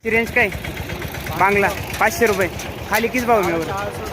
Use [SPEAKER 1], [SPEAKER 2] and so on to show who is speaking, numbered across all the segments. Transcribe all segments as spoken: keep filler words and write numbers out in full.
[SPEAKER 1] Range काय बांगला पाचशे रुपये खाली किस भाव में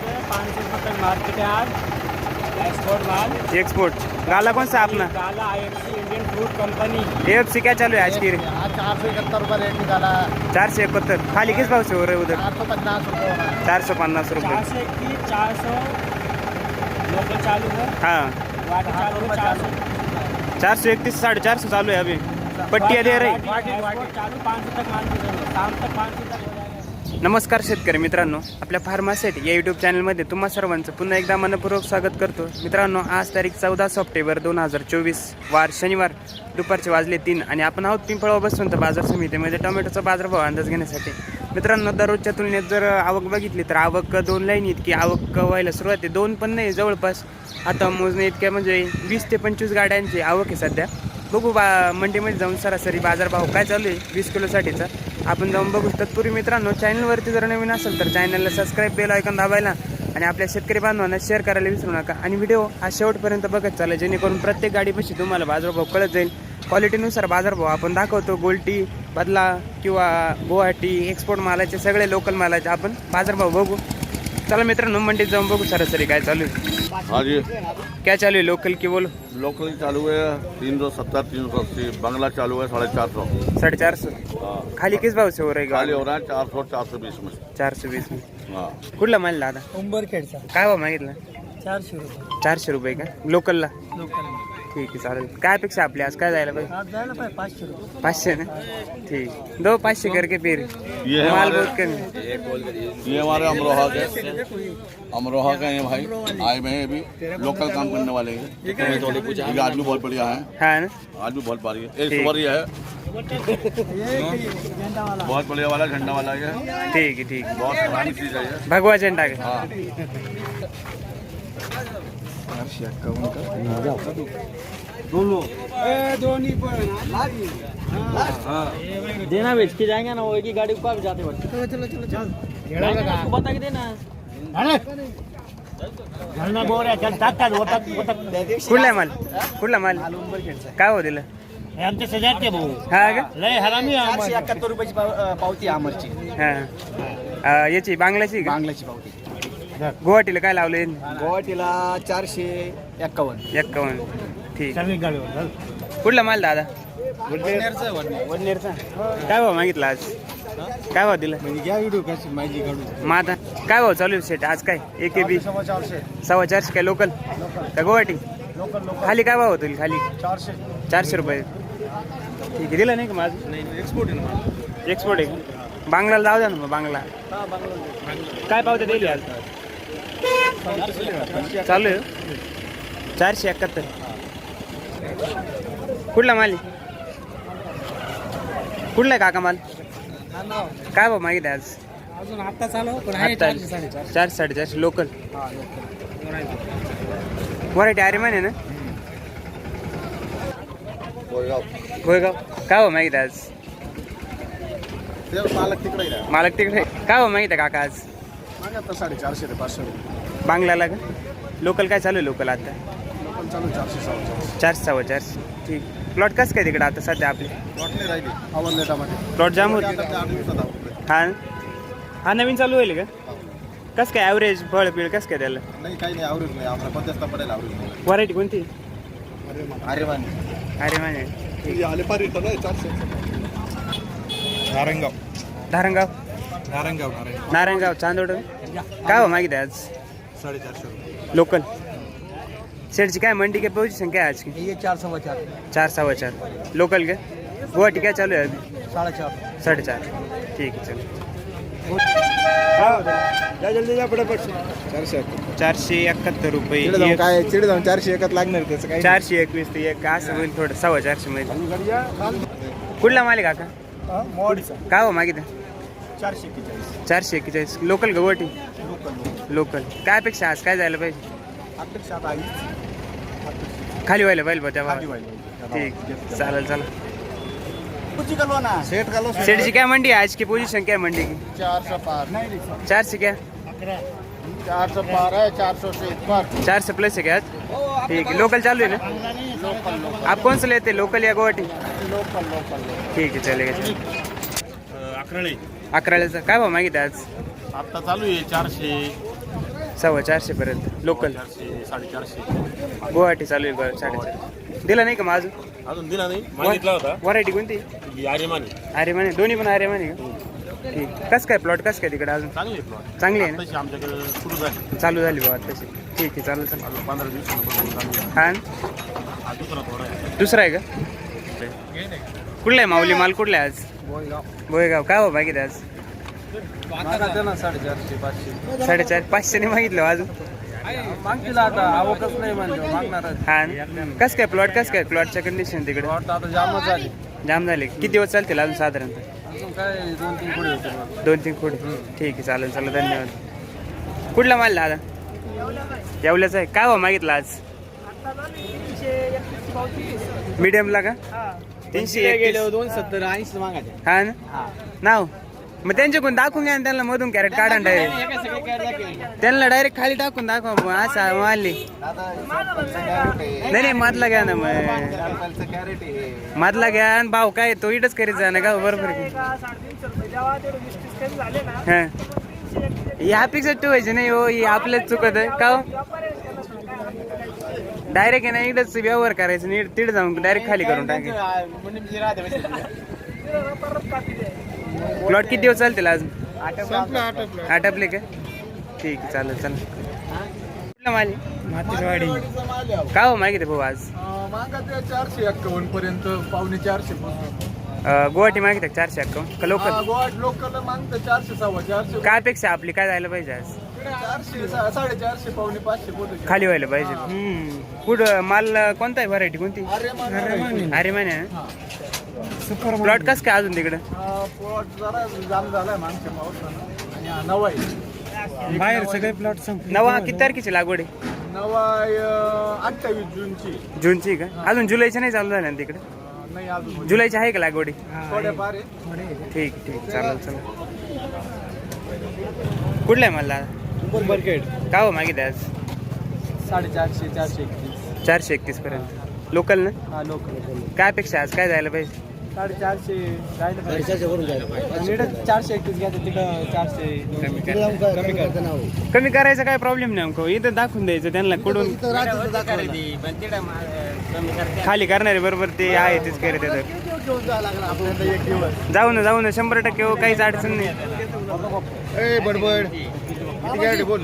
[SPEAKER 2] एक्सपोर्ट माल
[SPEAKER 1] एक्सपोर्ट गाला कौन सा अपना
[SPEAKER 2] गाला IFC Indian fruit company
[SPEAKER 1] AFC क्या चालू है आज की
[SPEAKER 2] आज चार सौ इकहत्तर रुपये रेट निकाला
[SPEAKER 1] चार सौ इकहत्तर खाली किस भाव से हो रहे हैं उधर
[SPEAKER 2] चार सौ पचास रुपये
[SPEAKER 1] चार सौ पन्नास रुपये
[SPEAKER 2] चार सौ इक्कीस चार सौ लोकल चालू है
[SPEAKER 1] हाँ
[SPEAKER 2] वाटर चालू है चार सौ
[SPEAKER 1] चार सौ इकतीस साढ़े चार सौ चालू है अभी पट्टियाँ दे रही
[SPEAKER 2] चालू पाच सौ तक माल शाम तक पाच सौ तक हो जाएगा।
[SPEAKER 1] नमस्कार शेतकरी मित्रांनो, आपल्या फार्मासेट या यूट्यूब चॅनलमध्ये तुम्हा सर्वांचं पुन्हा एकदा मनपूर्वक स्वागत करतो। मित्रांनो, आज तारीख चौदा सप्टेंबर दोन हजार चोवीस वार शनिवार दुपारचे वाजले तीन आणि आपण आहोत पिंपळगाव बसवंत बाजार समितीमध्ये टोमॅटोचा बाजारभाव अंदाज घेण्यासाठी। मित्रांनो, दररोजच्या तुलनेत जर आवक बघितली तर आवक दोन लाईन इतकी आवक व्हायला सुरुवात आहे, दोन पण नाही जवळपास आता मोजणे इतक्या म्हणजे वीस ते पंचवीस गाड्यांची आवक आहे सध्या। बघू बा मंडीमध्ये जाऊन सरासरी बाजारभाव काय चालू आहे वीस किलोसाठीचा आपण जाऊन बघू। तत्पूर्वी मित्रांनो, चॅनलवरती जर नवीन असेल तर चॅनलला सबस्क्राईब बेल आयकॉन दाबायला आणि आपल्या शेतकरी बांधवांना शेअर करायला विसरू नका आणि व्हिडिओ हा शेवटपर्यंत बघत चाला, जेणेकरून प्रत्येक गाडीपाशी तुम्हाला बाजारभाव कळत जाईल। क्वालिटीनुसार बाजारभाव आपण दाखवतो, गोल्टी बदला किंवा गुवाहाटी एक्सपोर्ट मालाचे सगळे लोकल मालाचे आपण बाजारभाव बघू। चला मित्रांनो, मंडीत जाऊन बघू सरासरी काय चालू आहे।
[SPEAKER 3] हाँ जी,
[SPEAKER 1] क्या चालू है लोकल की बोलो?
[SPEAKER 3] लोकल चालू है तीन सौ सत्तर तीन सौ अस्सी, बांग्ला चालू है साढ़े चार सौ।
[SPEAKER 1] साढ़े चार सौ खाली किस भाव से हो रही
[SPEAKER 3] खाली हो रहा है चार सौ चार सौ बीस में।
[SPEAKER 1] चार सौ वीस में
[SPEAKER 3] हाँ,
[SPEAKER 1] कुठला माल दादा?
[SPEAKER 2] उंबरखेडचा
[SPEAKER 1] काय भाव मागितला?
[SPEAKER 2] चारशे रुपये
[SPEAKER 1] चारशे रुपये का लोकलला?
[SPEAKER 2] लोकल
[SPEAKER 1] ठीक आहे, चालेल। काय अपेक्षा आपली आज काय जायला पाहिजे?
[SPEAKER 2] आज जायला पाहिजे पाचशे रुपये
[SPEAKER 1] पाचशे ना, ठीक, दो पाचशे करके फिर
[SPEAKER 3] ये है
[SPEAKER 1] माल
[SPEAKER 3] हमारे-
[SPEAKER 1] बहुत कमी।
[SPEAKER 3] ये हमारे अमरोहा के अमरोहा के हैं भाई, आए हुए हैं अभी लोकल काम करने वाले हैं। ये आदमी बहुत बढ़िया है,
[SPEAKER 1] हाँ ना,
[SPEAKER 3] आदमी बहुत भारी है। एक सुवर ये है बहुत बढ़िया वाला, झंडा वाला ये है,
[SPEAKER 1] ठीक है ठीक है।
[SPEAKER 3] बहुत पुरानी चीज है ये।
[SPEAKER 1] भगवा झंडा का
[SPEAKER 3] हाँ,
[SPEAKER 2] देना बेच के जाएंगे ना, वो एक ही गाड़ी को आप जाते वक्त चलो चलो चलो चल बता के देना घरना बोल रहा चल टाक टाक वोटा वोटा
[SPEAKER 1] कुठला माल? कुठला माल काय हो दिलं?
[SPEAKER 2] आमचे सजाते भाऊ
[SPEAKER 1] हा का?
[SPEAKER 2] लय हरामी चारशे एकाहत्तर रुपयाची पावती आमरची
[SPEAKER 1] हा अं, याची बांगलाची का?
[SPEAKER 2] बांगलाची पावती
[SPEAKER 1] गुवाहाटीला काय लावले?
[SPEAKER 2] गुवाहाटीला चारशे एक्कावन्न
[SPEAKER 1] एक्कावन्न, ठीक।
[SPEAKER 2] सर्विस गाडीवर
[SPEAKER 1] कुठला माल दादा?
[SPEAKER 2] वडनेरचं
[SPEAKER 1] वडनेरचा काय भाव मागितला आज? काय भाव दिला?
[SPEAKER 2] म्हणजे घ्या व्हिडिओ कशी माझी काढू
[SPEAKER 1] मग आता काय भाव चालू आहे सेट आज? काय एक बी
[SPEAKER 2] सव्वा चारशे
[SPEAKER 1] सव्वा चारशे काय लोकल का गुवाहाटी?
[SPEAKER 2] लोकल लोकल
[SPEAKER 1] खाली काय भाव होतील? खाली
[SPEAKER 2] चारशे
[SPEAKER 1] चारशे रुपये, ठीक आहे। दिलं नाही का माझं?
[SPEAKER 2] एक्सपोर्ट आहे ना
[SPEAKER 1] एक्सपोर्ट आहे का? बांगलाला जाऊ द्या ना मग, बांगला काय पावते दिली आज? चालू आहे चारशे एकाहत्तर। कुठला माल आहे? कुठला आहे काका माल? काय भाव मागितले आज?
[SPEAKER 2] अजून आता चालू पण आहे
[SPEAKER 1] आता
[SPEAKER 2] चारशे साडेचारशे
[SPEAKER 1] चारशे साडेचारशे लोकल
[SPEAKER 2] हा लोकल
[SPEAKER 1] व्हरायटी आर्यमान आहे ना?
[SPEAKER 3] कोरेगाव।
[SPEAKER 1] गोयगाव काय भाव मागितले आज?
[SPEAKER 3] ते मालक तिकडे आहे ना।
[SPEAKER 1] मालक तिकडे काय भाव मागितलं काका आज?
[SPEAKER 3] मागे आता साडेचारशे ते पाचशे रुपये।
[SPEAKER 1] बांगलाला का? लोकल काय चालू आहे लोकल आता?
[SPEAKER 3] लोकल चालू आहे चारशे सव्वा चारशे।
[SPEAKER 1] चारशे सव्वा चारशे, ठीक। प्लॉट कसं काय तिकडे आता सध्या आपले?
[SPEAKER 3] प्लॉट नाही राहिली, आवडले टमाटे
[SPEAKER 1] प्लॉट जाम होते
[SPEAKER 3] आता ते आठ दिवसात आवडले।
[SPEAKER 1] हा हा नवीन चालू होईल का? कसं काय ॲव्हरेज फळ पिळ कसं काय त्याला?
[SPEAKER 3] नाही काही नाही, आवरेज नाही, आपला पचास पडेल आवरेज।
[SPEAKER 1] व्हरायटी कोणती?
[SPEAKER 3] अरे मान
[SPEAKER 1] अरे माने, ठीक।
[SPEAKER 3] आले पार येतं ना चारशे। नारायणगाव
[SPEAKER 1] धारणगाव
[SPEAKER 3] नारायणगाव
[SPEAKER 1] नारायणगाव चांदोड काय भाव मागितले आज?
[SPEAKER 3] साडेचारशे रुपये
[SPEAKER 1] लोकल सेटची काय मंडी काय पोझिशन काय आज की?
[SPEAKER 2] ये चार सव्वा चार
[SPEAKER 1] चार सव्वा चार लोकल का? गुवाहाटी काय चालू आहे अभी?
[SPEAKER 2] साडेचार
[SPEAKER 1] साडेचार, ठीक आहे चल।
[SPEAKER 2] जल्दी जा फटाफट
[SPEAKER 3] चारशे
[SPEAKER 1] चारशे एकाहत्तर रुपये
[SPEAKER 3] चिडे जाऊन
[SPEAKER 1] एक-
[SPEAKER 3] काय चिडे जाऊन चारशे एकच लागणार त्याचं काय
[SPEAKER 1] चारशे एकवीस ते एक असं होईल थोडं सव्वा चारशे मध्ये। कुठला माल आहे काका?
[SPEAKER 2] मोडीचा
[SPEAKER 1] काय हो मागितलं?
[SPEAKER 2] चारशे एक्केचाळीस
[SPEAKER 1] चारशे एक्केचाळीस लोकल का गुवाहाटी?
[SPEAKER 2] लोकल
[SPEAKER 1] लोकल काय अपेक्षा आज काय जायला पाहिजे?
[SPEAKER 2] अपेक्षा आता आई
[SPEAKER 1] खाली व्हायला पाहिजे बा तेव्हा,
[SPEAKER 2] खाली व्हायला
[SPEAKER 1] ठीक चालेल चला।
[SPEAKER 2] कुछ कलो ना सेट कलो
[SPEAKER 1] सेठ जी क्या मंडी है आज की पोजीशन क्या है मंडी की?
[SPEAKER 3] चार सौ पार
[SPEAKER 2] नहीं
[SPEAKER 1] चार से क्या?
[SPEAKER 3] चार सौ पार है, चार सौ से ऊपर।
[SPEAKER 1] चार से प्लस है क्या आज? ठीक है, लोकल चालू है ना?
[SPEAKER 3] लोकल लोकल
[SPEAKER 1] आप कौन सा लेते हैं, लोकल या गुवाहाटी?
[SPEAKER 3] लोकल लोकल
[SPEAKER 1] ठीक है चलेगा।
[SPEAKER 2] अकराळे
[SPEAKER 1] अकराळ्याचा काय भाव मागितले आज?
[SPEAKER 4] आता चालू आहे चारशे
[SPEAKER 1] सव्वा चारशे पर्यंत लोकल.
[SPEAKER 4] चारशे साडेचारशे
[SPEAKER 1] गुवाहाटी चालू आहे बरं साडेचार. दिला नाही का मग अजून?
[SPEAKER 4] अजून दिला नाही मागितला होता
[SPEAKER 1] व्हरायटी कोणती?
[SPEAKER 4] ही आर्यमानी
[SPEAKER 1] अरे म्हणे दोन्ही पण अरे म्हणे का? ठीक. कसं काय प्लॉट कसं काय तिकडे अजून?
[SPEAKER 4] चांगली आहे प्लॉट
[SPEAKER 1] चांगली आहे ना?
[SPEAKER 4] तशी आमच्याकडे सुरू झाली
[SPEAKER 1] चालू झाली बाबा तशी. ठीक आहे चालेल चालेल.
[SPEAKER 4] अजून पंधरा दिवसांपासून चालू आहे.
[SPEAKER 1] हा
[SPEAKER 4] हा दुसरा थोडा आहे
[SPEAKER 1] दुसरा आहे का? कुठला आहे माऊली माल कुठला आहे आज? बोयगाव. काय भाव मागितले आज?
[SPEAKER 2] साडेचारशे पाचशे
[SPEAKER 1] साडेचार पाचशे नाही मागितलं अजून.
[SPEAKER 2] मागतील आता आवकच नाही म्हणजे मागणार
[SPEAKER 1] हा कसं काय प्लॉट कसं काय प्लॉटच्या कंडिशन तिकडे?
[SPEAKER 2] आता जामच झाली
[SPEAKER 1] जाम झाले. किती दिवस चालतील अजून साधारणतः?
[SPEAKER 2] अजून काय दोन तीन पुढे होते
[SPEAKER 1] दोन तीन खोडे. ठीक आहे चालेल चालेल धन्यवाद. कुठला माल दादा? येवल्याचा आहे. काय भाव मागितला आज? मीडियमला का? तीनशे एकतीस.
[SPEAKER 2] दोन सत्तर ऐंशी मागायचे
[SPEAKER 1] हा ना नाव मग त्यांच्याकडून दाखवून घ्या ना त्यांना मधून कॅरेट काढा डायरेक्ट. त्यांना डायरेक्ट खाली टाकून दाखवा मग असं मारली. नाही नाही मधला घ्या ना मग मधला घ्या आणि भाव काय तो इटच करीत जा ना का बरोबर हा ह्या अपेक्षा ठेवायची नाही हो. ही आपल्याच चुकत आहे का हो? डायरेक्ट आहे ना इकडंच व्यवहार करायचं नीट तिथे जाऊन डायरेक्ट खाली करून टाकायचं. प्लॉट किती दिवस चालतील आज? आटपले का? ठीक आहे चालेल चालेल. कुठला माल?
[SPEAKER 2] मातीवाडी
[SPEAKER 1] का हो मागितले भाऊ आज?
[SPEAKER 2] मागा चारशे एक्कावन्न पर्यंत पावणे चारशे
[SPEAKER 1] अं, गुवाहाटी मागितले चारशे अक्कावन्न का लोकल?
[SPEAKER 2] लोकल मागतं चारशे सव्वा चारशे
[SPEAKER 1] काय अपेक्षा आपली काय जायला पाहिजे आज?
[SPEAKER 2] चारशे साडेचारशे पावणे पाचशे पोहोचू
[SPEAKER 1] खाली व्हायला पाहिजे. हम्म. कुठं माल कोणता आहे व्हरायटी कोणती? अरे माने प्लॉट कस काय अजून तिकडं?
[SPEAKER 2] प्लॉट जरा जाम झालाय मागच्या पावसानं आणि हा नवा आहे बाहेर सगळे प्लॉट संपले.
[SPEAKER 1] नवा किती तारखेची लागवड आहे?
[SPEAKER 2] नवा अठ्ठावीस जूनची
[SPEAKER 1] जूनची का? अजून जुलैची नाही चालू झाल्या ना तिकडे?
[SPEAKER 2] नाही अजून
[SPEAKER 1] जुलैची आहे का लागवडी?
[SPEAKER 2] थोड्याफार आहे.
[SPEAKER 1] ठीक ठीक चालेल चालेल. कुठला आहे मला
[SPEAKER 2] मार्केट
[SPEAKER 1] का हो मागितले आज?
[SPEAKER 2] साडेचारशे चारशे एकतीस
[SPEAKER 1] चारशे एकतीस पर्यंत लोकल ना?
[SPEAKER 2] हा लोकल
[SPEAKER 1] काय अपेक्षा आज काय जायला पाहिजे?
[SPEAKER 2] साडेचारशे जायला पाहिजे. चारशे एकतीस घ्यायचं तिकडं चारशे
[SPEAKER 1] कमी करायचा काय प्रॉब्लेम नाही अंको. इथं दाखवून द्यायचं त्यांना कुठून खाली करणारे बरोबर ते आहे तेच करत
[SPEAKER 2] एक दिवस
[SPEAKER 1] जाऊ ना जाऊ ना शंभर टक्के हो काहीच अडचण नाही.
[SPEAKER 2] बडबड बोल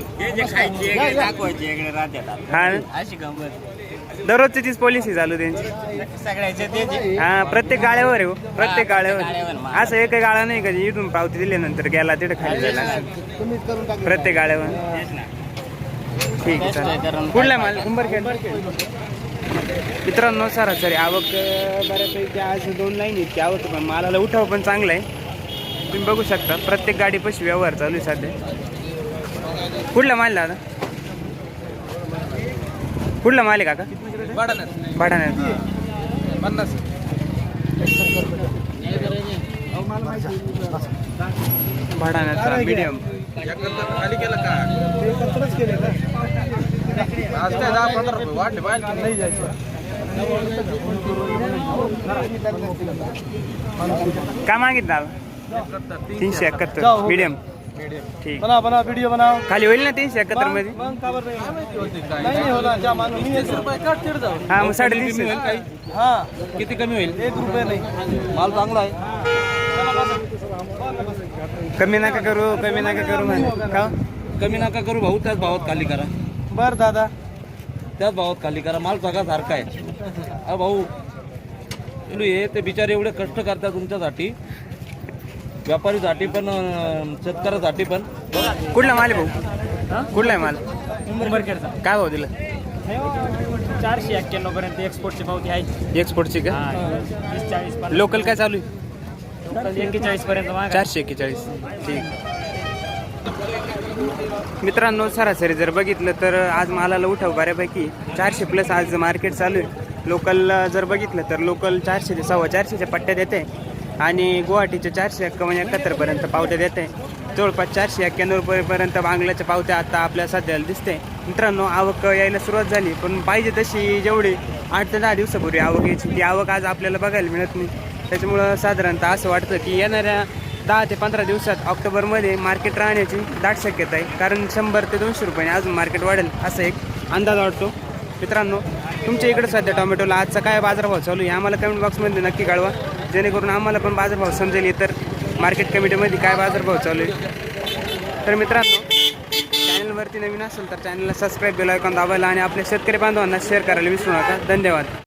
[SPEAKER 1] हा ना? दररोजची तीच पॉलिसी चालू त्यांची. हा प्रत्येक गाळ्यावर आहे हो प्रत्येक गाळ्यावर. असं एक गाळा नाही का इथून पावती दिल्यानंतर गेला तिथे खाली जायला प्रत्येक गाळ्यावर. ठीक आहे चालेल. कुठला माल? कुंभरखेड. मित्रांनो सरासरी आवक अं, बऱ्यापैकी आज दोन लाईन इतकी आवक पण मालाला उठाव पण चांगला आहे. तुम्ही बघू शकता प्रत्येक गाडी पशी व्यवहार चालू आहे सध्या. कुठला माल दादा? कुठला माल आहे काका? भाडाण्यात.
[SPEAKER 2] पन्नास
[SPEAKER 1] भाडाण्याचा मीडियम.
[SPEAKER 2] खाली केलं का? आज काय दहा पंधरा रुपये वाढले बाहेर नाही जायचं.
[SPEAKER 1] काय मागितलं दादा? तीनशे एकाहत्तर मीडियम. ठीक
[SPEAKER 2] बना बना व्हिडिओ बनाव.
[SPEAKER 1] खाली होईल ना तीनशे एकाहत्तर मध्ये?
[SPEAKER 2] मग का बरं नाही? नाही होला ज्या माणूस मी एक रुपये काट तिड जाऊ.
[SPEAKER 1] हा मग साडेतीनशे.
[SPEAKER 2] हा किती कमी होईल? एक रुपये नाही. माल चांगला आहे.
[SPEAKER 1] कमी नका करू कमी नका करू म्हणे का?
[SPEAKER 2] कमी नका करू भाऊ. त्याच भावात खाली करा. बर दादा त्याच भावात खाली करा. माल सगळा सारखा आहे. अ भाऊ हे ते बिचारे एवढे कष्ट करतात तुमच्यासाठी, व्यापारीसाठी पण शेतकऱ्यासाठी पण.
[SPEAKER 1] कुठला माल आहे भाऊ? कुठला आहे माल?
[SPEAKER 2] उंबरखेडचा.
[SPEAKER 1] काय भाऊ दिला?
[SPEAKER 2] चारशे एक्क्याण्णव पर्यंत एक्सपोर्टची पावती आहे.
[SPEAKER 1] एक्सपोर्टची का?
[SPEAKER 2] तीस चाळीस
[SPEAKER 1] लोकल काय चालू आहे?
[SPEAKER 2] एक्केचाळीस पर्यंत.
[SPEAKER 1] चारशे एक्केचाळीस. ठीक. मित्रांनो सरासरी जर बघितलं तर आज मालाला उठाव बऱ्यापैकी चारशे प्लस आज मार्केट चालू आहे. लोकल जर बघितलं तर लोकल चारशे ते सव्वा चारशेच्या पट्ट्यात येते आणि गुवाहाटीच्या चारशे एक्कावन्न एकाहत्तरपर्यंत पावत्या देते. जवळपास चारशे एक्क्याण्णव रुपयेपर्यंत बांगलाच्या पावत्या आता आपल्या सध्याला दिसते. मित्रांनो आवक यायला सुरुवात झाली पण पाहिजे तशी जेवढी आठ ते दहा दिवसापूर्वी आवक यायची ती आवक आज आपल्याला बघायला मिळत नाही. त्याच्यामुळं साधारणतः असं वाटतं की येणाऱ्या दहा ते पंधरा दिवसात ऑक्टोबरमध्ये मार्केट राहण्याची दाट शक्यता आहे, कारण शंभर ते दोनशे रुपयाने अजून मार्केट वाढेल असा एक अंदाज वाटतो. मित्रांनो, तुमच्या इकडे सध्या टोमॅटोला आजचा काय बाजारभाव चालू आहे आम्हाला कमेंट बॉक्समध्ये नक्की कळवा, जेणेकरून आम्हाला पण बाजारभाव समजेल इतर मार्केट कमिटीमध्ये काय बाजारभाव चालू आहे. तर मित्रांनो, चॅनलवरती नवीन असेल तर चॅनलला सबस्क्राईब बेल आयकॉन दाबायला आणि आपल्या शेतकरी बांधवांना शेअर करायला विसरू नका. धन्यवाद.